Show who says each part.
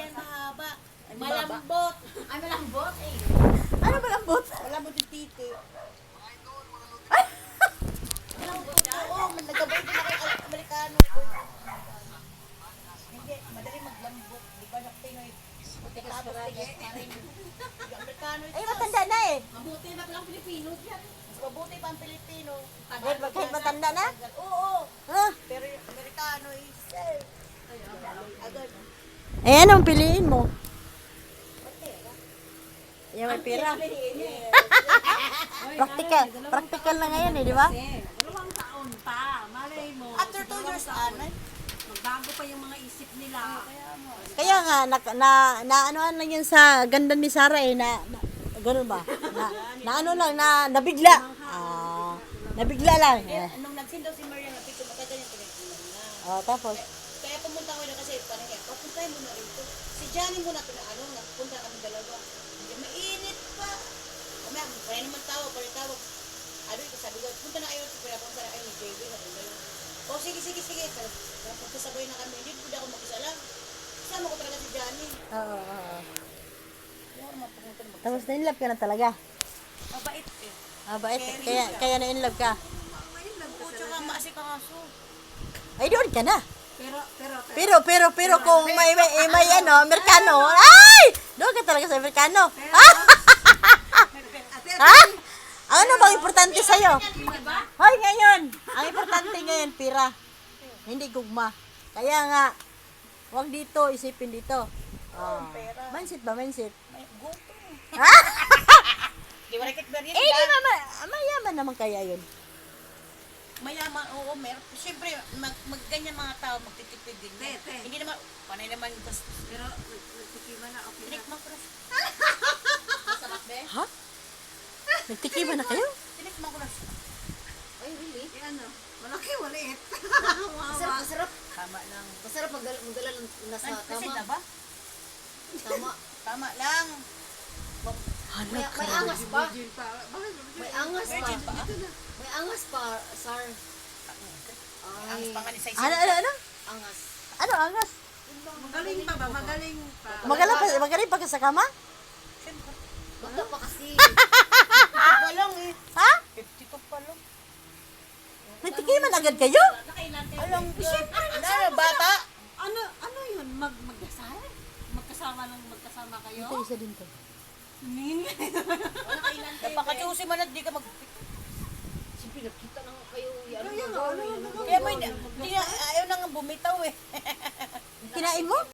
Speaker 1: yan mahaba. Malambot.
Speaker 2: Ay, malambot eh.
Speaker 3: Ano malambot?
Speaker 1: Malambot yung titi. Malambot siya? Oo, nagkabay din ako yung Amerikano. Hindi, madali maglambot. Di ba sa Pinoy? Tapos tigas pa rin. Yung Amerikano ito.
Speaker 3: Ay, matanda na eh.
Speaker 2: Mabuti na palang Pilipino yan.
Speaker 1: Mas mabuti pa ang Pilipino.
Speaker 3: Kahit matanda na?
Speaker 1: Oo.
Speaker 3: Ha?
Speaker 1: Pero yung Amerikano is agad.
Speaker 3: Eh, anong piliin mo? Yung may pera. Practical na ngayon eh, di ba?
Speaker 2: Dalawang taon pa. Malay mo.
Speaker 1: After 2 years, ano?
Speaker 2: Magbago pa yung mga isip nila.
Speaker 3: Kaya nga, ano lang yun sa ganda ni Sarah eh, ganun ba? Ano lang, nabigla. Nabigla lang.
Speaker 1: Nung nagsindaw si Maria, napito makaganyan pinagkilan na.
Speaker 3: Tapos,
Speaker 1: Kaya pumunta ko na kasi parang kaya, papuntahin mo na rito. Si Johnny muna napunta kami dalawa. Hindi mainit pa. Umaya, kaya naman tawag. Ano ito, sabi ko, punta na kayo, pinapunta na kayo ni JB, sabi ko. O sige. Pagkasabay na kami, hindi po ako mag-isa lang. Kasama ko talaga si Johnny.
Speaker 3: oo.
Speaker 1: Hindi ako naman pumunta na mag-isa.
Speaker 3: Tapos na-inlove ka na talaga.
Speaker 1: Mabait eh.
Speaker 3: Bait. Kaya na-inlove ka.
Speaker 1: Oo, tsaka maasik ang aso.
Speaker 3: Ay, doon ka na.
Speaker 2: Pero,
Speaker 3: Pero kung may ano, Amerikano, ay! Doon ka talaga sa Amerikano. Ha? Ano bang importante sa'yo? Hoy, ngayon, ang importante ngayon, pira. Hindi gugma. Kaya nga, huwag dito, isipin dito. Mindset ba, mindset?
Speaker 1: May gusto.
Speaker 3: Ha?
Speaker 1: Di ba rakit beryan?
Speaker 3: Eh, di mayaman naman kaya yun.
Speaker 1: Mayaman, oo, meron. Siyempre, ganyan mga tao, magtitipid din. Hindi naman, panay naman gusto.
Speaker 2: pero, nagtikiman na, okay na.
Speaker 1: Tinik mo, Chris.
Speaker 2: Masarap, be?
Speaker 3: Ha? Nagtikiman na kayo?
Speaker 1: Tinik mo, Chris.
Speaker 2: Ay, really? Eh, ano? Malaki, maliit.
Speaker 4: Masarap.
Speaker 1: Tama lang.
Speaker 4: Masarap magdala ng nasa
Speaker 1: Kasi
Speaker 4: tama.
Speaker 1: na ba?
Speaker 4: Tama.
Speaker 1: Tama lang.
Speaker 4: May angas pa.
Speaker 2: Virgin pa. Bakit?
Speaker 4: May angas pa.
Speaker 1: Virgin pa?
Speaker 4: May angas pa, Sar.
Speaker 1: Ang
Speaker 4: Ay,
Speaker 1: pangalan sa
Speaker 3: Ano?
Speaker 4: angas.
Speaker 3: Ano, angas?
Speaker 2: Magaling pa ba? Magaling pa.
Speaker 3: Magaling pa ka sa kama?
Speaker 4: Bata pa kasi.
Speaker 1: 52 pa lang eh.
Speaker 3: Ha?
Speaker 1: 52 pa lang.
Speaker 3: Nagtikiman agad kayo?
Speaker 2: Nakailan kayo?
Speaker 1: Alam ko. Ano, bata?
Speaker 2: Ano yun? Magdasal? Magkasama kayo?
Speaker 3: Ito, isa din to.
Speaker 2: Nakailan kayo?
Speaker 1: Napakachusi man at di ka mag...
Speaker 4: Siyempre, nakita na nga kayo.
Speaker 1: Kaya may, ayaw nang bumitaw eh.
Speaker 3: Kinain mo?